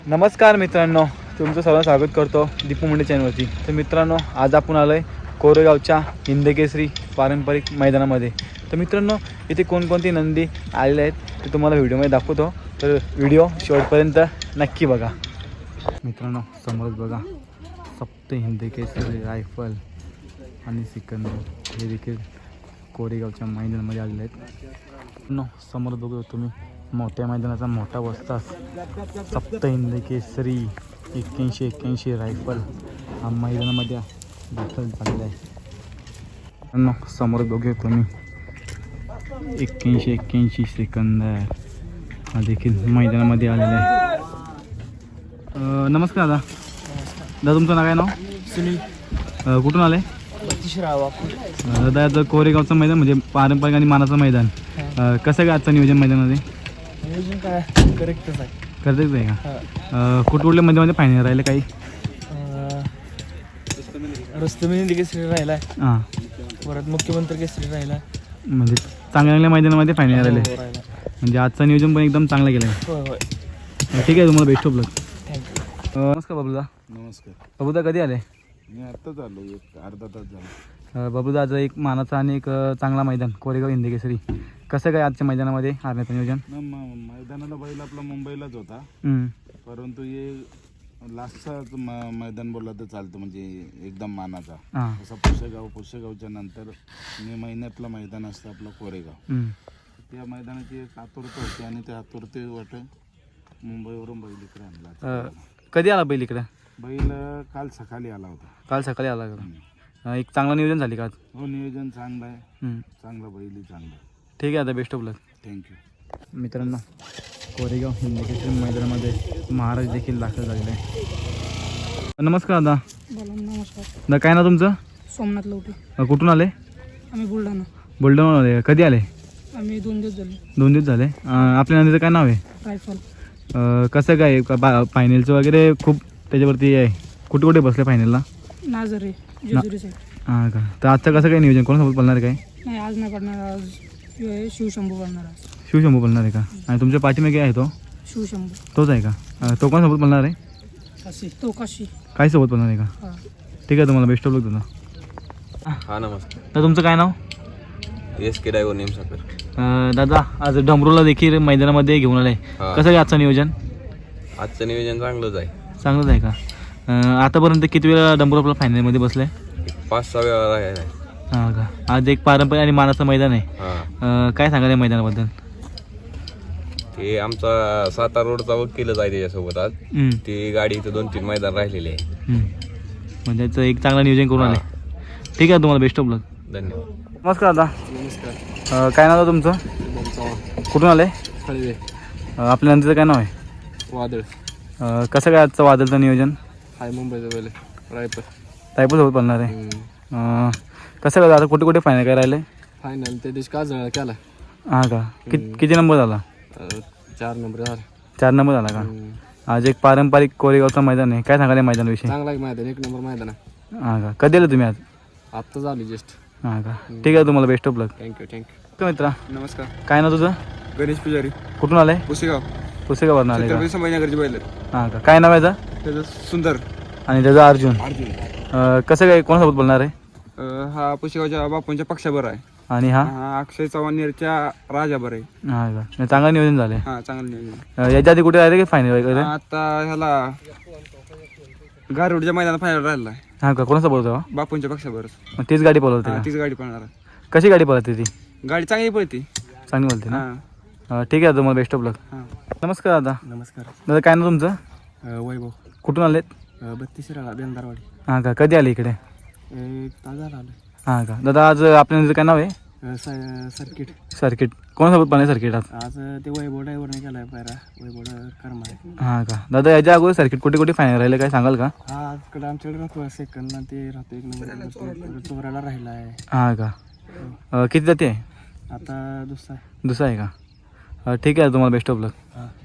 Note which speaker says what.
Speaker 1: नमस्कार मित्रांनो, तुमचं सर्वांचं स्वागत करतो दीपू मुंडे चॅनलवरती. तर मित्रांनो, आज आपण आलो आहे कोरेगावच्या हिंदकेसरी पारंपरिक मैदानामध्ये. तर मित्रांनो, इथे कोणकोणती नंदी आलेले आहेत ते तुम्हाला व्हिडिओमध्ये दाखवतो, तर व्हिडिओ शेवटपर्यंत नक्की बघा. मित्रांनो, समोरच बघा सप्त हिंदकेसरी रायफल आणि सिकंदर हे देखील कोरेगावच्या मैदानामध्ये आलेले आहेत. समोर बघू तुम्ही मोठ्या मैदानाचा मोठा वस्ताद सप्त हिंदकेसरी 81 रायफल हा मैदानामध्ये दाखल झालेला आहे. समोर बघूया तुम्ही 81 सिकंदर हा देखील मैदानामध्ये आलेला आहे. नमस्कार दादा. दादा, तुमचं नाव काय? नाव
Speaker 2: सुनील.
Speaker 1: कुठून आले? दादा, आता कोरेगावचं मैदान म्हणजे पारंपरिक आणि मानाचं मैदान, कसं काय आजचं नियोजन मैदानामध्ये?
Speaker 2: नियोजन काय करेक्टच आहे.
Speaker 1: करतेच आहे का? कुठल्या मैदानामध्ये फायनल राहिले काही?
Speaker 2: रस्तमेंदी केसरी राहिला,
Speaker 1: हां,
Speaker 2: परत मुख्यमंत्री केसरी राहिला.
Speaker 1: म्हणजे चांगल्या मैदानामध्ये फायनल राहिले.
Speaker 2: हो, राहिला.
Speaker 1: म्हणजे आजचं नियोजन पण एकदम चांगलं केलं आहे.
Speaker 2: होय होय.
Speaker 1: ठीक आहे, तुम्हाला बेस्ट ऑफ लक.
Speaker 2: थँक्यू.
Speaker 1: नमस्कार बाबूदा.
Speaker 3: नमस्कार.
Speaker 1: बाबूदा, कधी आले?
Speaker 3: मी आत्ताच आलो, एक अर्धा तास झाला.
Speaker 1: बाबूदा, आज एक मानाचा आणि एक चांगला मैदान कोरेगाव हिंदकेसरी, कसं काय आजच्या मैदानामध्ये हारण्याचं नियोजन?
Speaker 3: मैदानाला बैल आपला मुंबईलाच होता, परंतु हे लास्टचा मैदान बोलला तर चालतं, म्हणजे एकदम मानाचा.
Speaker 1: हां,
Speaker 3: जसं पुशेगावच्या नंतर मे महिन्यातलं मैदान असतं आपलं कोरेगाव. त्या मैदानाची एक आतुरता होती आणि त्या आतुरते वाट मुंबईवरून बैल इकडे आणला.
Speaker 1: कधी आला बैल इकडे?
Speaker 3: बैल काल सकाळी आला होता.
Speaker 1: काल सकाळी आला का? एक चांगलं नियोजन झाली का आज?
Speaker 3: हो, नियोजन चांगलं आहे, चांगलं बैलही चांगलं.
Speaker 1: ठीक आहे, आता बेस्ट ऑफ लक.
Speaker 3: थँक्यू.
Speaker 1: मित्रांनो, कोरेगाव हिंदकेसरी मैदानामध्ये महाराज देखील दाखल झालेले आहे. नमस्कार दादा.
Speaker 2: नमस्कार.
Speaker 1: दादा, काय ना तुमचं?
Speaker 2: सोमनाथ लवटे.
Speaker 1: कुठून आले?
Speaker 2: आम्ही बुलढाणा.
Speaker 1: बुलढाणा आले. कधी आले?
Speaker 2: आम्ही 2 दिवस झाले.
Speaker 1: 2 दिवस झाले. आपल्या नंदीचं काय नाव आहे?
Speaker 2: रायफल.
Speaker 1: कसं काय फायनलचं वगैरे खूप त्याच्यावरती आहे? कुठे कुठे बसले फायनलला?
Speaker 2: नाझरे जेजुरी साईड.
Speaker 1: हां का? तर आजचं कसं काय नियोजन, कोणासोबत बोलणार आहे काय?
Speaker 2: नाही, आज नाही पडणार. आज शिवशंभू पडणार. आज
Speaker 1: शिवशंभू बोलणार आहे का? आणि तुमच्या पाठीमागे आहे तो?
Speaker 2: शिवशंभू.
Speaker 1: तोच आहे का? तो कोणासोबत बोलणार आहे?
Speaker 2: काशी. तो काशी.
Speaker 1: काय सोबत बोलणार आहे का?
Speaker 2: हां.
Speaker 1: ठीक आहे, तुम्हाला बेस्ट ऑफ लक दादा.
Speaker 4: हा, नमस्कार.
Speaker 1: तर तुमचं काय नाव?
Speaker 4: SK driver नेमसाकर.
Speaker 1: दादा, आज डमरूला देखील मैदानामध्ये घेऊन आलं आहे,
Speaker 4: हा.
Speaker 1: कसं काय आजचं नियोजन?
Speaker 4: आजचं नियोजन चांगलंच आहे.
Speaker 1: चांगलंच आहे का? आतापर्यंत किती वेळा डमरू आपला फायनलमध्ये बसलं आहे?
Speaker 4: 5-6 वेळा राहिला.
Speaker 1: हां का? आज एक पारंपरिक आणि मानाचं मैदान आहे.
Speaker 4: हा,
Speaker 1: काय सांगाल या मैदानाबद्दल?
Speaker 4: ते आमचा सातारा रोडचा वकीलच आहे त्याच्यासोबत. आज ती गाडी इथं 2-3 मैदान राहिलेली आहे.
Speaker 1: म्हणजे याचं एक चांगलं नियोजन करून आले. ठीक आहे, तुम्हाला बेस्ट ऑफ लक.
Speaker 4: धन्यवाद.
Speaker 1: नमस्कार दादा.
Speaker 2: नमस्कार.
Speaker 1: काय नाव आहे तुमचं? कुठून आले?
Speaker 2: खळवे.
Speaker 1: आपल्या नंदीचं काय नाव आहे?
Speaker 2: वादळ.
Speaker 1: कसं काय आजचं वादळचं नियोजन?
Speaker 2: हाय मुंबईचं बैल रायफल.
Speaker 1: टायपूसोबत बोलणार आहे. कसं काय आता कुठे कुठे फायनल काय राहिले?
Speaker 2: फायनल त्या दिवशी का जळ केला.
Speaker 1: हां का? किती नंबर झाला?
Speaker 2: 4 नंबर झाला.
Speaker 1: 4 नंबर झाला का? आज एक पारंपरिक कोरेगावचं मैदान आहे, काय सांगाल या मैदानाविषयी?
Speaker 2: चांगला मैदान, 1 नंबर मैदान आहे.
Speaker 1: हां का? कधी आले तुम्ही आज?
Speaker 2: आत्ता झाली जस्ट.
Speaker 1: हां का? ठीक आहे, तुम्हाला बेस्ट ऑफ लक.
Speaker 2: थँक्यू.
Speaker 1: मित्रा,
Speaker 2: नमस्कार.
Speaker 1: काय ना तुझं?
Speaker 2: गणेश पुजारी.
Speaker 1: कुठून आले?
Speaker 2: पुसेगाव.
Speaker 1: पुसेगाववरून आले का?
Speaker 2: संभाजीनगरची बैल.
Speaker 1: हां का? काय नाव आहे त्याचं?
Speaker 2: त्याचं सुंदर.
Speaker 1: आणि त्याचा अर्जुन. कसं काय, कोणासोबत बोलणार आहे?
Speaker 2: हा पुसेगावच्या बापूंच्या पक्षाबर आहे.
Speaker 1: आणि हा?
Speaker 2: हा अक्षय चव्हाणच्या राजाबर आहे.
Speaker 1: हां का? चांगलं नियोजन झालं
Speaker 2: हा, चांगलं नियोजन.
Speaker 1: आहे. याच्या आधी कुठे राहिले की फायनल वगैरे?
Speaker 2: आता ह्याला गारुडच्या मैदानात फायनल राहिला आहे.
Speaker 1: हां का? कोणासोबत होता?
Speaker 2: बापूंच्या पक्षाबरच.
Speaker 1: मग तीच गाडी पळवते का?
Speaker 2: तीच गाडी पळणार आहे.
Speaker 1: कशी गाडी पळवते ती?
Speaker 2: गाडी चांगली पळते.
Speaker 1: चांगली बोलते ना?
Speaker 2: हा.
Speaker 1: ठीक आहे, तुम्हाला बेस्ट ऑफ लक.
Speaker 2: हा.
Speaker 1: नमस्कार दादा.
Speaker 2: नमस्कार.
Speaker 1: दादा, काय ना तुमचं?
Speaker 2: वैभव.
Speaker 1: कुठून आलेत?
Speaker 2: 32 राळा बेंदारवाडी.
Speaker 1: हां का? कधी आले इकडे?
Speaker 2: एक तास झाला आलो.
Speaker 1: हां का? दादा, आज आपल्या काय नाव आहे?
Speaker 2: सर्किट.
Speaker 1: सर्किट. कोणासोबत पाहिजे सर्किट आज?
Speaker 2: आज ते वैभव ड्रायव्हरने केलाय पायरा. वैभव कर्म आहे.
Speaker 1: हां का? दादा, याच्या अगोदर सर्किट कुठे कुठे फायनल राहिले काय सांगाल का?
Speaker 2: हा, आजकडे आमच्याकडे राहतो सेकंड ते राहतो 1 नंबर चोराला राहिला आहे.
Speaker 1: हां का? किती जाते?
Speaker 2: आता दुसरा.
Speaker 1: दुसरा आहे का? ठीक आहे, तुम्हाला बेस्ट ऑफ लक.
Speaker 2: हा.